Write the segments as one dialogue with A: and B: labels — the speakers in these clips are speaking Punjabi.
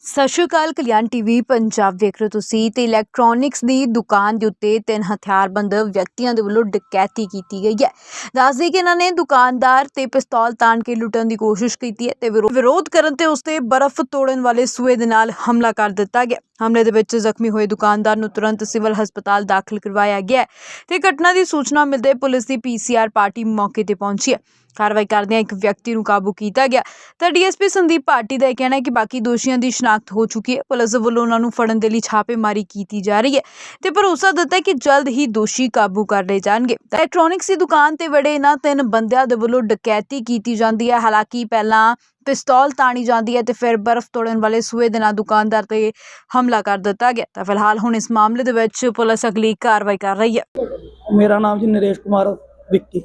A: ਸਤਿ ਸ਼੍ਰੀ ਅਕਾਲ। ਕਲਿਆਣ ਟੀਵੀ ਪੰਜਾਬ ਦੇਖ ਰਹੇ ਹੋ ਤੁਸੀਂ ਤੇ ਇਲੈਕਟ੍ਰੋਨਿਕਸ ਦੀ ਦੁਕਾਨ ਦੇ ਉੱਤੇ 3 ਹਥਿਆਰਬੰਦ ਵਿਅਕਤੀਆਂ ਦੇ ਵੱਲੋਂ ਡਕੈਤੀ ਕੀਤੀ ਗਈ ਹੈ। ਦੱਸਦੇ ਕਿ ਇਹਨਾਂ ਨੇ ਦੁਕਾਨਦਾਰ ਤੇ ਪਿਸਤੌਲ ਤਾਣ ਕੇ ਲੁੱਟਣ ਦੀ ਕੋਸ਼ਿਸ਼ ਕੀਤੀ ਹੈ ਤੇ ਵਿਰੋਧ ਕਰਨ ਤੇ ਉਸ ਤੇ ਬਰਫ਼ ਤੋੜਨ ਵਾਲੇ ਸੂਏ ਦੇ ਨਾਲ ਹਮਲਾ ਕਰ ਦਿੱਤਾ ਗਿਆ। ਹਮਲੇ ਦੇ ਵਿੱਚ ਜ਼ਖਮੀ ਹੋਏ ਦੁਕਾਨਦਾਰ ਨੂੰ ਤੁਰੰਤ ਸਿਵਲ ਹਸਪਤਾਲ ਦਾਖਲ ਕਰਵਾਇਆ ਗਿਆ ਤੇ ਘਟਨਾ ਦੀ ਸੂਚਨਾ ਮਿਲਦੇ ਪੁਲਿਸ ਦੀ PCR ਪਾਰਟੀ ਮੌਕੇ ਤੇ ਪਹੁੰਚੀ ਹੈ। कार्रवाई करदे एक व्यक्ति ਨੂੰ ਕਾਬੂ ਕੀਤਾ ਗਿਆ ਤਾਂ ਡੀਐਸਪੀ ਸੰਦੀਪ ਭਾਟੀ ਦਾ ਕਹਿਣਾ ਹੈ ਕਿ ਬਾਕੀ ਦੋਸ਼ੀਆਂ ਦੀ ਸ਼ਨਾਖਤ ਹੋ ਚੁੱਕੀ ਹੈ। ਪੁਲਿਸ ਵੱਲੋਂ ਉਹਨਾਂ ਨੂੰ ਫੜਨ ਦੇ ਲਈ ਛਾਪੇਮਾਰੀ ਕੀਤੀ ਜਾ ਰਹੀ ਹੈ ਤੇ ਭਰੋਸਾ ਦਿੱਤਾ ਹੈ ਕਿ ਜਲਦ ਹੀ ਦੋਸ਼ੀ ਕਾਬੂ ਕਰ ਲਏ ਜਾਣਗੇ। ਇਲੈਕਟ੍ਰੋਨਿਕਸ ਦੀ ਦੁਕਾਨ ਤੇ ਵੜੇ ਇਹਨਾਂ 3 ਬੰਦਿਆਂ ਦੇ ਵੱਲੋਂ ਡਕੈਤੀ ਕੀਤੀ ਜਾਂਦੀ ਹੈ। ਹਾਲਾਂਕਿ ਪਹਿਲਾਂ ਪਿਸਤੌਲ ਤਾਣੀ ਜਾਂਦੀ ਹੈ ਤੇ ਫਿਰ ਬਰਫ਼ ਤੋੜਨ ਵਾਲੇ ਸੂਏ ਦੇ ਨਾਲ ਦੁਕਾਨਦਾਰ ਤੇ ਹਮਲਾ ਕਰ ਦਿੱਤਾ ਗਿਆ। ਤਾਂ ਫਿਲਹਾਲ ਹੁਣ ਇਸ ਮਾਮਲੇ ਦੇ ਵਿੱਚ ਪੁਲਿਸ ਅਗਲੀ ਕਾਰਵਾਈ ਕਰ ਰਹੀ ਹੈ।
B: ਮੇਰਾ ਨਾਮ ਜੀ ਨਰੇਸ਼ ਕੁਮਾਰ ਵਿੱਕੀ।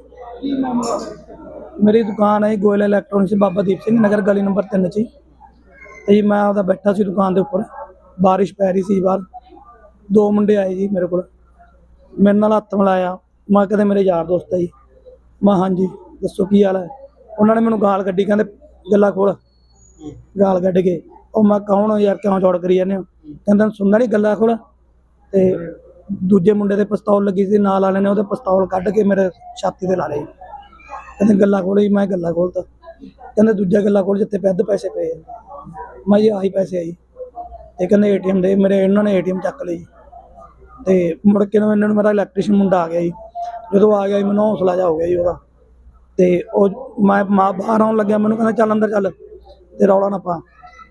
B: मेरी दुकान है गोयल इलैक्ट्रॉनिक्स बाबा दीप सिंह नगर गली नंबर 3 च जी। मैं आपदा बैठा सी दुकान के उपर, बारिश पै रही सी बाहर। 2 मुंडे आए जी मेरे को, मेरे नाल हत्थ मिलाया। मैं कहते मेरे यार दोस्त है जी। मैं हाँ जी दसो की हाल है। उन्होंने मैनू गाल कड्डी, कहते गल्ला खोल। गाल कड्ड के और मैं कौन हो यार, क्यों चौड़ करी जाने हो? कहते सुनना नहीं, गल्ला खोल। तो दूजे मुंडे ते पिस्तौल लगी सी, नाल वाले ने उहदे पिस्तौल कड्ड के मेरे छाती ते ला लए। कहते गल्ला खोलो जी। मैं गल्ला खोलता। कहते दूजा गल्ला खोल जिते पैद पैसे पे। मैं जी आही पैसे आई। तो कहते ATM दे। मेरे इन्होंने ATM चक ली। तो मुड़ के इन्होंने मेरा इलैक्ट्रीशियन मुंडा आ गया जी। जो आ गया जी मैंने हौसला जा हो गया जी वह। तो मैं बाहर आउन लग्या, मैंने कहना चल अंदर चल, तो रौला ना पा।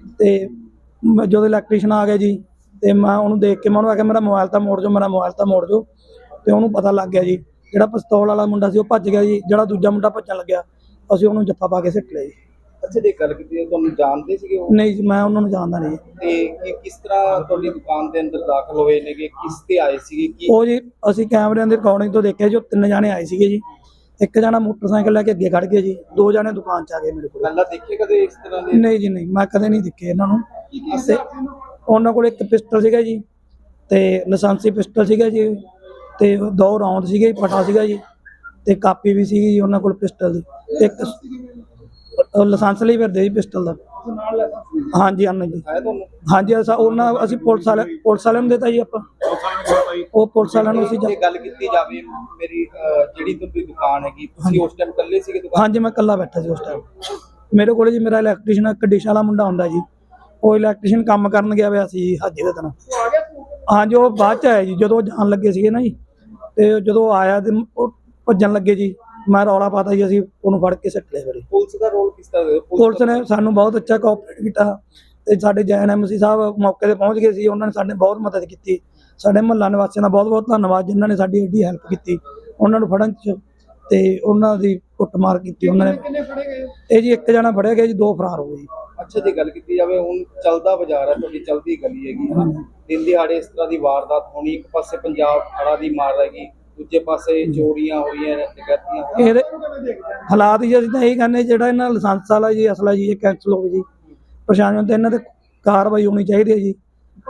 B: तो जो इलैक्ट्रीशियन आ गया जी, तो मैं उन्होंने देख के मैं आख्या मेरा मोबाइल तो मोड़ जो, मेरा मोबाइल तो मोड़ जो। तो उन्होंने पता लग गया जी, ਜਿਹੜਾ ਪਿਸਤੌਲ ਵਾਲਾ ਮੁੰਡਾ ਸੀ ਉਹ ਭੱਜ ਗਿਆ ਜੀ। ਜਿਹੜਾ ਦੂਜਾ ਮੁੰਡਾ ਭੱਜਣ ਲੱਗਿਆ, ਅਸੀਂ ਉਹਨੂੰ ਜੱਫਾ ਪਾ ਕੇ ਸਿੱਟ ਲਿਆ ਜੀ।
C: ਅੱਛਾ ਜੀ, ਗੱਲ ਕੀਤੀ ਤੁਹਾਨੂੰ ਜਾਣਦੇ ਸੀਗੇ ਉਹ?
B: ਨਹੀਂ ਜੀ, ਮੈਂ ਉਹਨਾਂ ਨੂੰ ਜਾਣਦਾ ਨਹੀਂ।
C: ਤੇ ਕਿਸ ਤਰ੍ਹਾਂ ਤੁਹਾਡੀ ਦੁਕਾਨ ਦੇ ਅੰਦਰ ਦਾਖਲ ਹੋਏ ਨੇਗੇ, ਕਿਸ ਤੇ ਆਏ ਸੀਗੇ? ਕੀ
B: ਉਹ ਜੀ ਅਸੀਂ ਕੈਮਰਿਆਂ ਦੀ ਰਿਕਾਰਡਿੰਗ ਤੋਂ ਦੇਖਿਆ ਜੀ, ਉਹ 3 ਜਾਣੇ ਆਏ ਸੀਗੇ ਜੀ। ਇੱਕ ਜਣਾ ਮੋਟਰਸਾਈਕਲ ਲੈ ਕੇ ਅੱਗੇ ਖੜ ਗਿਆ ਜੀ, 2 ਜਾਣੇ ਦੁਕਾਨ 'ਚ ਆ ਗਏ ਮੇਰੇ ਕੋਲ।
C: ਪਹਿਲਾਂ ਦੇਖੇ ਕਦੇ ਇਸ ਤਰ੍ਹਾਂ ਦੇ?
B: ਨਹੀਂ ਜੀ ਨਹੀਂ, ਮੈਂ ਕਦੇ ਨਹੀਂ ਦੇਖੇ ਇਹਨਾਂ ਨੂੰ। ਤੇ ਉਹਨਾਂ ਕੋਲ ਇੱਕ ਪਿਸਟਲ ਸੀਗਾ ਜੀ, ਤੇ ਲਾਇਸੈਂਸੀ ਪਿਸਟਲ ਸੀਗਾ ਜੀ, ਤੇ 2 ਰੌਂਦ ਸੀਗੇ, ਪਟਾ ਸੀਗਾ ਜੀ, ਤੇ ਕਾਪੀ ਵੀ ਸੀਗੀ ਜੀ ਉਹਨਾਂ ਕੋਲ ਪਿਸਟਲ ਦੀ। ਇੱਕ ਲਾਇਸੈਂਸ ਲਈ ਫਿਰਦੇ ਜੀ ਪਿਸਟਲ ਦਾ। ਹਾਂਜੀ ਹਾਂ ਜੀ, ਹਾਂਜੀ ਉਹਨਾਂ ਅਸੀਂ ਪੁਲਿਸ ਵਾਲਿਆਂ ਨੂੰ ਦਿੱਤਾ ਜੀ। ਆਪਾਂ ਉਹ ਪੁਲਿਸ ਵਾਲਿਆਂ ਨੂੰ ਅਸੀਂ
C: ਗੱਲ ਕੀਤੀ ਜਾਵੇ, ਮੇਰੀ ਜਿਹੜੀ ਤੁਹਾਡੀ ਦੁਕਾਨ ਹੈਗੀ, ਤੁਸੀਂ ਉਸ ਟਾਈਮ ਇਕੱਲੇ ਸੀਗੇ ਦੁਕਾਨ?
B: ਹਾਂਜੀ, ਮੈਂ ਇਕੱਲਾ ਬੈਠਾ ਸੀ ਉਸ ਟਾਈਮ। ਮੇਰੇ ਕੋਲ ਜੀ ਮੇਰਾ ਇਲੈਕਟ੍ਰੀਸ਼ੀਅਨ ਇੱਕ ਡਿਸ਼ ਵਾਲਾ ਮੁੰਡਾ ਹੁੰਦਾ ਜੀ, ਉਹ ਇਲੈਕਟ੍ਰੀਸ਼ੀਅਨ ਕੰਮ ਕਰਨ ਗਿਆ ਹੋਇਆ ਸੀ ਹਾਜੀ ਦੇ ਦਿਨ। ਹਾਂਜੀ, ਉਹ ਬਾਅਦ 'ਚ ਆਇਆ ਜੀ, ਜਦੋਂ ਜਾਣ ਲੱਗੇ ਸੀਗੇ ਨਾ ਜੀ। ਤੇ ਜਦੋਂ ਆਇਆ ਤੇ ਉਹ ਭੱਜਣ ਲੱਗੇ ਜੀ, ਮੈਂ ਰੌਲਾ ਪਾਤਾ ਜੀ, ਅਸੀਂ ਉਹਨੂੰ ਫੜ ਕੇ ਸਿੱਟ ਲਿਆ।
C: ਪੁਲਿਸ ਦਾ ਰੋਲ ਕਿਸ ਤਰ੍ਹਾਂ?
B: ਪੁਲਿਸ ਨੇ ਸਾਨੂੰ ਬਹੁਤ ਅੱਛਾ ਕੋਆਪਰੇਟ ਕੀਤਾ ਤੇ ਸਾਡੇ JNMC ਸਾਹਿਬ ਮੌਕੇ ਤੇ ਪਹੁੰਚ ਗਏ ਸੀ। ਉਹਨਾਂ ਨੇ ਸਾਡੇ ਬਹੁਤ ਮਦਦ ਕੀਤੀ। ਸਾਡੇ ਮੁਹੱਲਾ ਨਿਵਾਸੀਆਂ ਦਾ ਬਹੁਤ ਬਹੁਤ ਧੰਨਵਾਦ, ਜਿਨ੍ਹਾਂ ਨੇ ਸਾਡੀ ਐਡੀ ਹੈਲਪ ਕੀਤੀ ਉਹਨਾਂ ਨੂੰ ਫੜਨ 'ਚ ਤੇ ਉਹਨਾਂ ਦੀ ਕੁੱਟਮਾਰ ਕੀਤੀ ਉਹਨਾਂ ਨੇ।
C: ਕਿੰਨੇ ਫੜੇ ਗਏ?
B: ਇਹ ਜੀ 1 ਜਣਾ ਫੜਿਆ ਗਿਆ ਜੀ, 2 ਫਰਾਰ ਹੋ ਗਏ ਜੀ।
C: ਅੱਛਾ ਜੀ, ਗੱਲ ਕੀਤੀ ਜਾਵੇ ਹੁਣ ਚੱਲਦਾ ਬਾਜ਼ਾਰ ਹੈ, ਤੁਹਾਡੀ ਚੱਲਦੀ ਗਲੀ ਹੈਗੀ, ਦਿਨ ਦਿਹਾੜੇ ਇਸ ਤਰ੍ਹਾਂ ਦੀ ਵਾਰਦਾਤ ਹੋਣੀ। ਇੱਕ ਪਾਸੇ ਪੰਜਾਬ ਹੜ੍ਹਾਂ ਦੀ ਮਾਰ ਹੈਗੀ, ਦੂਜੇ ਪਾਸੇ ਚੋਰੀਆਂ ਹੋਈਆਂ, ਡਕੈਤੀਆਂ।
B: ਇਹਦੇ ਹਾਲਾਤ ਜੀ ਅਸੀਂ ਤਾਂ ਇਹ ਕਹਿੰਦੇ, ਜਿਹੜਾ ਇਹਨਾਂ ਲਾਇਸੈਂਸ ਵਾਲਾ ਜੀ ਅਸਲਾ ਜੀ ਇਹ ਕੈਂਸਲ ਹੋਵੇ ਜੀ। ਪ੍ਰਸ਼ਾਸਨ ਤੇ ਇਹਨਾਂ ਤੇ ਕਾਰਵਾਈ ਹੋਣੀ ਚਾਹੀਦੀ ਹੈ ਜੀ।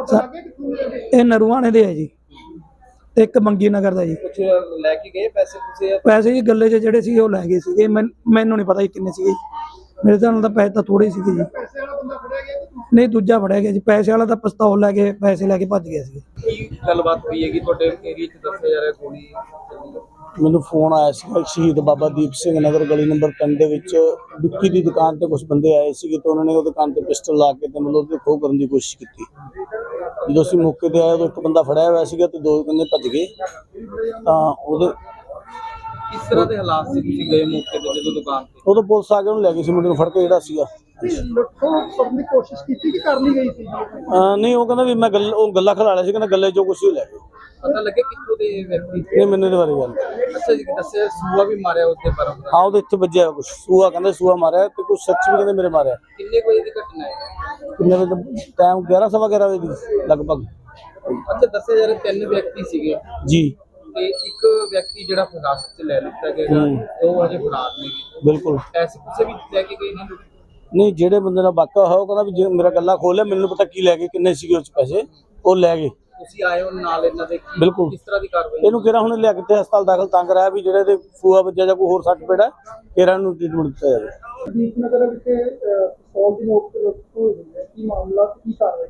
B: ਇਹ ਨਰੂਆਣੇ ਦੇ ਹੈ ਜੀ, ਤੇ ਇੱਕ ਮੰਗੀ ਨਗਰ ਦਾ ਜੀ।
C: ਕੁਛ ਲੈ ਕੇ ਗਏ ਪੈਸੇ?
B: ਪੈਸੇ ਜੀ ਗੱਲੇ 'ਚ ਜਿਹੜੇ ਸੀਗੇ ਉਹ ਲੈ ਗਏ ਸੀਗੇ। ਮੈਨੂੰ ਨਹੀਂ ਪਤਾ ਜੀ ਕਿੰਨੇ ਸੀਗੇ। ਮੇਰੇ ਹਿਸਾਬ ਨਾਲ ਤਾਂ ਪੈਸੇ ਤਾਂ ਥੋੜੇ ਸੀਗੇ ਜੀ।
C: ਪੈਸੇ ਵਾਲਾ ਬੰਦਾ ਫੜਿਆ ਗਿਆ?
B: ਨਹੀਂ, ਦੂਜਾ ਫੜਿਆ ਗਿਆ ਜੀ। ਪੈਸੇ ਵਾਲਾ ਤਾਂ ਪਿਸਤੌਲ ਲੈ ਕੇ ਪੈਸੇ ਲੈ ਕੇ ਭੱਜ ਗਿਆ ਸੀ।
C: ਕੀ ਗੱਲਬਾਤ ਹੋਈ ਹੈਗੀ ਤੁਹਾਡੇ ਏਰੀਆ 'ਚ? ਦੱਸਿਆ ਜਾ ਰਿਹਾ ਗੋਲੀ ਚੱਲੀ?
D: ਮੈਨੂੰ ਫੋਨ ਆਇਆ ਸੀ ਸ਼ਹੀਦ ਬਾਬਾ ਦੀਪ ਸਿੰਘ ਨਗਰ ਗਲੀ ਨੰਬਰ 3 ਦੇ ਵਿੱਚ ਵਿੱਕੀ ਦੀ ਦੁਕਾਨ ਤੇ ਕੁਝ ਬੰਦੇ ਆਏ ਸੀਗੇ ਤੇ ਉਹਨਾਂ ਨੇ ਉਹਦੇ ਦੁਕਾਨ ਤੇ ਪਿਸਟਲ ਲਾ ਕੇ ਤੇ ਮਤਲਬ ਉਹਦੇ ਖੋਹ ਕਰਨ ਦੀ ਕੋਸ਼ਿਸ਼ ਕੀਤੀ। ਜਦੋਂ ਅਸੀਂ ਮੌਕੇ ਤੇ ਆਏ ਉਦੋਂ ਇੱਕ ਬੰਦਾ ਫੜਿਆ ਹੋਇਆ ਸੀਗਾ ਤੇ 2 ਬੰਦੇ ਭੱਜ ਗਏ। ਤਾਂ ਉਹਦੇ
C: ਕਿਸ ਤਰ੍ਹਾਂ ਦੇ ਹਾਲਾਤ ਸੀ? ਤੁਸੀਂ ਗਏ ਮੌਕੇ ਤੇ ਜਦੋਂ ਦੁਕਾਨ ਤੇ?
D: ਉਦੋਂ ਪੁਲਿਸ ਆ ਕੇ ਉਹਨੂੰ ਲੈ ਗਈ ਸੀ, ਮੁੰਡੇ ਨੂੰ ਫੜ ਕੇ ਜਿਹੜਾ ਸੀਗਾ।
B: ਕਰਨ ਦੀ ਕੋਸ਼ਿਸ਼ ਕੀਤੀ ਕਿ ਕਰ ਲਈ ਗਈ ਸੀ?
D: ਨਹੀਂ, ਉਹ ਕਹਿੰਦਾ ਵੀ ਮੈਂ ਉਹ ਗੱਲਾਂ ਖਿਲਾ ਲਿਆ ਸੀ, ਕਹਿੰਦਾ ਗੱਲੇ ਜੋ ਕੁਛ ਹੀ ਲੈ ਗਏ।
C: ਪਤਾ ਲੱਗੇ ਕਿੱਥੋਂ ਦੇ ਵਿਅਕਤੀ?
D: ਨਹੀਂ, ਮੈਨੂੰ ਇਹਦੇ ਬਾਰੇ ਗੱਲ।
C: ਅੱਛਾ ਜੀ, ਦੱਸਿਆ ਸੂਆ ਵੀ ਮਾਰਿਆ ਉੱਤੇ ਬਰਫ਼ ਦਾ?
D: ਹਾਂ, ਉਹਦੇ ਇੱਥੇ ਵੱਜਿਆ ਕੁਛ ਸੂਆ, ਕਹਿੰਦੇ ਸੂਆ ਮਾਰਿਆ ਤੇ ਕੁਛ ਸੱਚ ਵੀ ਕਹਿੰਦੇ ਮੇਰੇ ਮਾਰਿਆ।
C: ਕਿੰਨੇ ਵਜੇ ਦੀ ਘਟਨਾ ਹੈ?
D: ਕਿੰਨੇ ਵਜੇ ਟਾਈਮ? 11 ਸਵਾ 11 ਵਜੇ ਦੀ ਲਗਭਗ।
C: ਅੱਛਾ, ਦੱਸਿਆ ਜਾ ਰਿਹਾ 3 ਵਿਅਕਤੀ ਸੀਗੇ
D: ਜੀ,
C: ਤੇ ਇੱਕ ਵਿਅਕਤੀ ਜਿਹੜਾ ਹਿਰਾਸਤ 'ਚ ਲੈ ਲਿੱਤਾ ਗਿਆ, 2 ਅਜੇ ਫਰਾਰ ਨੇ।
D: ਬਿਲਕੁਲ।
C: ਪੈਸੇ ਪੂਸੇ ਵੀ ਲੈ ਕੇ ਗਏ ਨੇ?
D: ਨਹੀਂ, ਜਿਹੜੇ ਬੰਦੇ ਨਾਲ ਵਾਕਾ ਹੋਇਆ ਉਹ ਕਹਿੰਦਾ ਵੀ ਜੇ ਮੇਰਾ ਗੱਲਾ ਖੋਲਿਆ, ਮੈਨੂੰ ਪਤਾ ਕੀ ਲੈ ਗਏ, ਕਿੰਨੇ ਸੀਗੇ ਉਸ ਪੈਸੇ, ਉਹ ਲੈ ਗਏ।
C: ਤੁਸੀਂ ਆਏ ਹੋ ਨਾਲ ਇਹਨਾਂ ਦੇ?
D: ਬਿਲਕੁਲ।
C: ਕਿਸ ਤਰ੍ਹਾਂ ਦੀ ਕਾਰਵਾਈ?
D: ਇਹਨੂੰ ਕਿਹੜਾ ਹੁਣ ਲਿਆ ਕੇ ਹਸਪਤਾਲ ਦਾਖਲ ਤਾਂ ਕਰਾਇਆ ਵੀ ਜਿਹੜੇ ਦੇ ਫੂਆ ਵੱਜਿਆ ਜਾਂ ਕੋਈ ਹੋਰ ਸੱਟ ਪੇੜਾ ਕਿਹੜਾ ਨੂੰ ਟ੍ਰੀਟਮੈਂਟ ਦਿੱਤਾ ਜਾਵੇ।
B: ਦੀਪ ਨਗਰ ਵਿਖੇ 100 ਦੀ ਨੋਟ ਤੇ ਕੀ ਮਾਮਲਾ ਕੀ ਕਾਰਵਾਈ?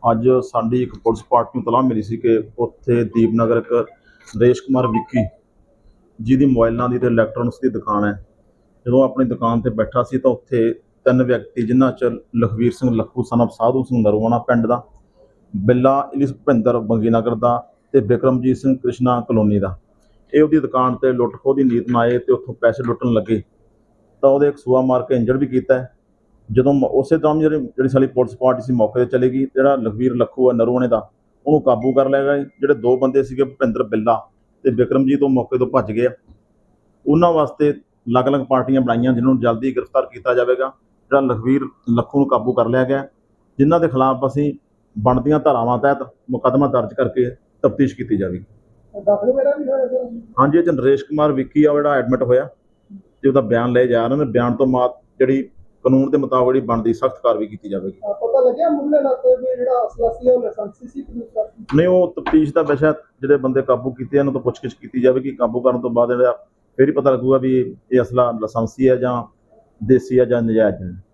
E: ਅੱਜ ਸਾਡੀ ਇੱਕ ਪੁਲਿਸ ਪਾਰਟੀ ਨੂੰ ਤਲਾਹ ਮਿਲੀ ਸੀ ਕਿ ਉੱਥੇ ਦੀਪਨਗਰ ਇੱਕ ਨਰੇਸ਼ ਕੁਮਾਰ ਵਿੱਕੀ ਜਿਹਦੀ ਮੋਬਾਈਲਾਂ ਦੀ ਤੇ ਇਲੈਕਟ੍ਰੋਨਿਕਸ ਦੀ ਦੁਕਾਨ ਹੈ। ਜਦੋਂ ਆਪਣੀ ਦੁਕਾਨ ਤੇ ਬੈਠਾ ਸੀ ਤਾਂ ਉੱਥੇ ਤਿੰਨ ਵਿਅਕਤੀ ਜਿਨ੍ਹਾਂ 'ਚ ਲਖਵੀਰ ਸਿੰਘ ਲੱਖੂ son of ਸਾਧੂ ਸਿੰਘ ਨਰਵਾਣਾ ਪਿੰਡ ਦਾ, ਬਿੱਲਾ ਇਲਿਸ ਭੁਪਿੰਦਰ ਬੰਗੀਨਗਰ ਦਾ ਤੇ ਬਿਕਰਮਜੀਤ ਸਿੰਘ ਕ੍ਰਿਸ਼ਨਾ ਕਲੋਨੀ ਦਾ, ਇਹ ਉਹਦੀ ਦੁਕਾਨ ਤੇ ਲੁੱਟ ਖੋਹ ਦੀ ਨੀਤ ਨਾਲ ਆਏ ਤੇ ਉੱਥੋਂ ਪੈਸੇ ਲੁੱਟਣ ਲੱਗੇ ਤਾਂ ਉਹਦੇ ਇੱਕ ਸੂਆ ਮਾਰ ਕੇ ਇੰਜਰਡ ਵੀ ਕੀਤਾ ਹੈ। ਜਦੋਂ ਉਸੇ ਦੌਰਾਨ ਜਿਹੜੀ ਸਾਡੀ ਪੁਲਿਸ ਪਾਰਟੀ ਸੀ ਮੌਕੇ 'ਤੇ ਚਲੇ ਗਈ, ਜਿਹੜਾ ਲਖਵੀਰ ਲੱਖੂ ਹੈ ਨਰਵਾਣੇ ਦਾ, ਉਹਨੂੰ ਕਾਬੂ ਕਰ ਲਿਆ ਗਿਆ। ਜਿਹੜੇ ਦੋ ਬੰਦੇ ਸੀਗੇ ਭੁਪਿੰਦਰ ਬਿੱਲਾ ਤੇ ਬਿਕਰਮਜੀਤ, ਉਹ ਮੌਕੇ ਤੋਂ ਭੱਜ ਗਏ। ਉਹਨਾਂ ਵਾਸਤੇ ਅਲੱਗ-ਅਲੱਗ ਪਾਰਟੀਆਂ ਬਣਾਈਆਂ ਜਿਹਨਾਂ ਨੂੰ ਜਲਦੀ ਗ੍ਰਿਫਤਾਰ ਕੀਤਾ ਜਾਵੇਗਾ। ਜਿਹੜਾ ਲਖਵੀਰ ਲੱਖੂ ਨੂੰ ਕਾਬੂ ਕਰ ਲਿਆ ਗਿਆ, ਜਿਨ੍ਹਾਂ ਦੇ ਖਿਲਾਫ ਅਸੀਂ ਬਣਦੀਆਂ ਧਾਰਾਵਾਂ ਤਹਿਤ ਮੁਕੱਦਮਾ ਦਰਜ ਕਰਕੇ ਤਫਤੀਸ਼ ਕੀਤੀ ਜਾਵੇਗੀ। ਹਾਂਜੀ, ਇਹ 'ਚ ਨਰੇਸ਼ ਕੁਮਾਰ ਵਿੱਕੀ ਆ ਜਿਹੜਾ ਐਡਮਿਟ ਹੋਇਆ ਤੇ ਉਹਦਾ ਬਿਆਨ ਲਏ ਜਾ ਰਹੇ ਨੇ। ਬਿਆਨ ਤੋਂ ਬਾਅਦ ਜਿਹੜੀ ਕਾਨੂੰਨ ਦੇ ਮੁਤਾਬਕ ਜਿਹੜੀ ਬਣਦੀ ਸਖਤ ਕਾਰਵਾਈ ਕੀਤੀ ਜਾਵੇਗੀ।
B: ਪਤਾ ਲੱਗਿਆ ਮੁੱਢਲੇ ਨਾਤੇ ਵੀ ਜਿਹੜਾ ਅਸਲਾ ਸੀ ਉਹ ਲਾਇਸੈਂਸੀ ਸੀ
E: ਨਹੀਂ, ਉਹ ਤਫਤੀਸ਼ ਦਾ ਵਿਸ਼ਾ। ਜਿਹੜੇ ਬੰਦੇ ਕਾਬੂ ਕੀਤੇ ਇਹਨਾਂ ਤੋਂ ਪੁੱਛਗਿੱਛ ਕੀਤੀ ਜਾਵੇਗੀ। ਕਾਬੂ ਕਰਨ ਤੋਂ ਬਾਅਦ ਜਿਹੜਾ ਫਿਰ ਹੀ ਪਤਾ ਲੱਗੂਗਾ ਵੀ ਇਹ ਅਸਲਾ ਲਾਇਸੈਂਸੀ ਹੈ ਜਾਂ ਦੇਸੀ ਹੈ ਜਾਂ ਨਜਾਇਜ਼ ਹੈ।